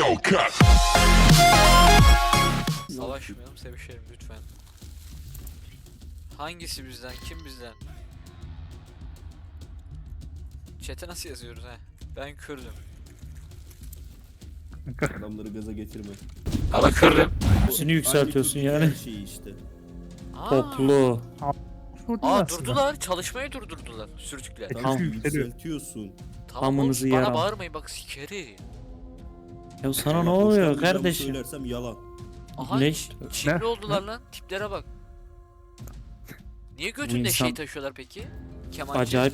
Savaşmayalım, sevişelim lütfen. Hangisi bizden, kim bizden? Chat'e nasıl yazıyoruz he? Ben Kürdüm. Adamları gaza getirme. Ama Kürdüm. Hepsini yükseltiyorsun Aynı yani. Türkiye şeyi işte. Toplu. Durdular, çalışmayı durdurdular sürtükler. Tamam yükseliyor. yükseltiyorsun. Tamam Amınızı oğlum, bana yaram. bağırmayın bak sikeri. Ya sana ne Bak, oluyor hoşlanmayacağımı kardeşim? Söylersem yalan. Aha Ne? Çinli oldular lan, tiplere bak. Niye götünde insan- şey taşıyorlar peki? Kemancı. Acayip.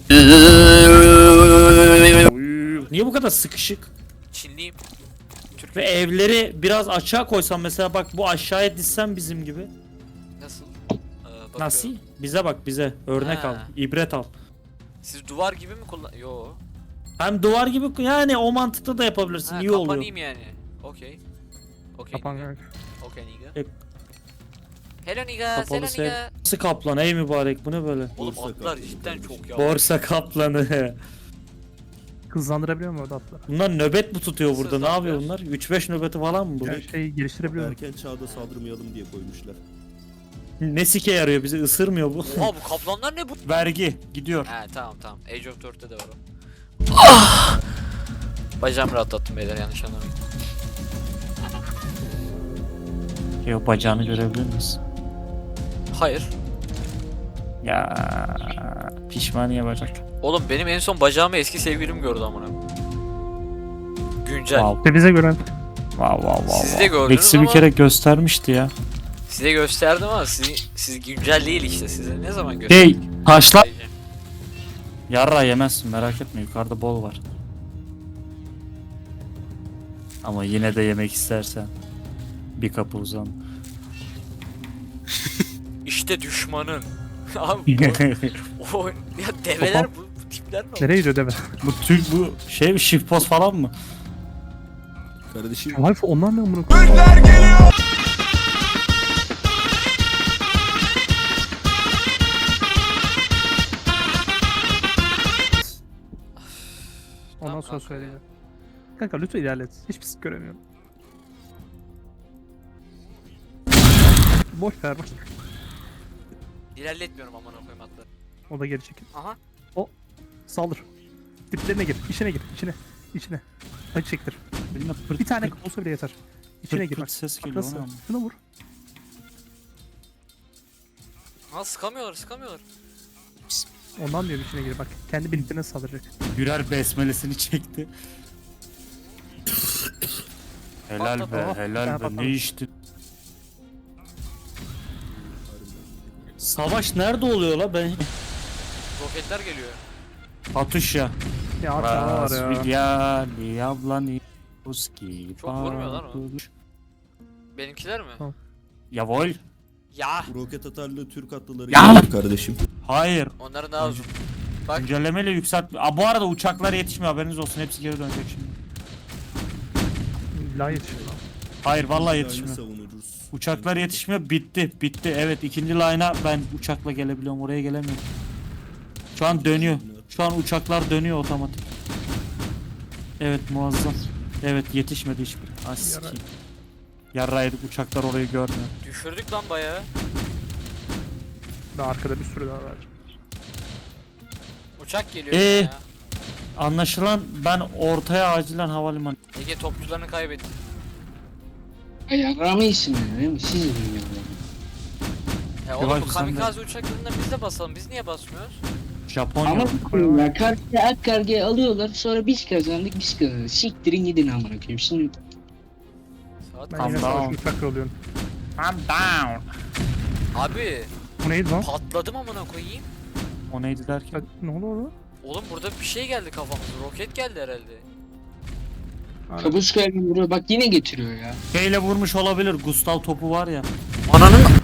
Niye bu kadar sıkışık? Çinliyim. Türk. Ve evleri biraz açığa koysam mesela, bak bu aşağıya dizsem bizim gibi. Nasıl? Bakıyorum. Nasıl? Bize bak, bize. Örnek Ha. al. İbret al. Siz duvar gibi mi kullan... Yo. Hem duvar gibi, yani o mantıkta da yapabilirsin. Ha, İyi oluyor. kapanayım yani. Okey. Okey Kapan nigga. kanka. Okey nigga. E- Hello nigga, Kapalı hello sev. nigga. Nasıl kaplan ey mübarek, bu ne böyle? Oğlum Borsa atlar kaplanı cidden kardeşim. çok yavaş. Borsa kaplanı. Hızlandırabiliyor mu orada atla? Bunlar nöbet mi tutuyor Nasıl burada? Ne yapıyor bunlar? hızlandırıyoruz? 3-5 nöbeti falan mı bu? Yani şeyi geliştirebiliyor mu? Erken çağda saldırmayalım diye koymuşlar. Ne sike yarıyor, bizi ısırmıyor bu. Oha bu kaplanlar ne bu? Vergi gidiyor. He tamam. Age of 4'te de var o. Ah! Bacağımı rahatlattım beyler, yanlış anlamayın. Yok, bacağını görebilir misin? Hayır. Ya pişmaniye bacak. Oğlum benim en son bacağımı eski sevgilim gördü amına. Güncel. Wow. İşte bize göre Wow wow wow. Siz de gördünüz Lexi bir ama- kere göstermişti ya. Size gösterdim ama siz güncel değil işte, size ne zaman gösterdim? Hey, taşla. Yarra yemezsin, merak etme, yukarıda bol var. Ama yine de yemek istersen bir kapı uzan. İşte düşmanın. Abi o ya develer bu tipler mi? nereye gidiyor deme. bu şey, shift post falan mı? Kardeşim Alfa onlar ne amına koyayım? Ondan Tamam sonra kanka söyleyeceğim. ya. Kanka lütfen ilerlet. Hiçbir şey göremiyorum. Boş ver boş. İlerletmiyorum amına koyayım atları. O da geri çekil. Aha. Saldır. Diplerine gir. İçine gir. İçine. Acı çektir. Bilmem, pırt Bir tane pırt olsa bile yeter. İçine gir pırt bak. ses Bak geliyor nasıl? ama. Şuna vur. Ha sıkamıyorlar. Ondan diyorum içine gir bak. Kendi birliklerine saldıracak. Gürer besmelesini çekti. Helal be, Patladı. helal be. Patladı. Ne içti? Savaş nerede oluyor la? Ben Roketler geliyor. atış ya. Ya abi var ya. Rasvilya Diablani Ruski. Çok vurmuyor lan o. Benimkiler mi? Tamam. Yavol. Ya. bu roket atarlı Türk atlıları Ya! geldi kardeşim. Hayır. Onların daha uzun. Bak Güncellemeyle yükselt. Bu arada uçaklar yetişmiyor, haberiniz olsun. Hepsi geri dönecek şimdi. La yetişiyor lan. Hayır vallahi Yani yetişmiyor. savunuruz. Uçaklar yetişmiyor. Bitti. Evet, ikinci line'a ben uçakla gelebiliyorum. Oraya gelemiyorum. Şu an dönüyor. Şu an uçaklar dönüyor otomatik. Evet, muazzam. Evet, yetişmedi hiçbir. Ah sikeyim. Yarraydık, uçaklar orayı görmüyor. düşürdük lan bayağı. Daha arkada bir sürü daha var. Uçak geliyor Ee? ya. Anlaşılan ben ortaya acilen havalimanı. Ege topçularını kaybetti. Ayarlama isim değil mi? Siz bilmiyorum. Ya Yavaş oğlum bu sen de. kamikaze uçaklarından biz de basalım. Biz niye basmıyoruz? Japonya. Ama ya karşıya ak kargaya alıyorlar sonra biz kazandık biz kazandık. Siktirin gidin amına koyayım. Şimdi Saat Ben kaç? yine Calm savaş down. uçakla oluyorum. I'm down. Abi Bu neydi lan? patladım amına koyayım. O neydi derken? Ya, ne oldu orada? Oğlum burada bir şey geldi kafamıza. Roket geldi herhalde. kabuskaya buraya bak yine getiriyor ya. Şeyle vurmuş olabilir. Gustav topu var ya. Ananın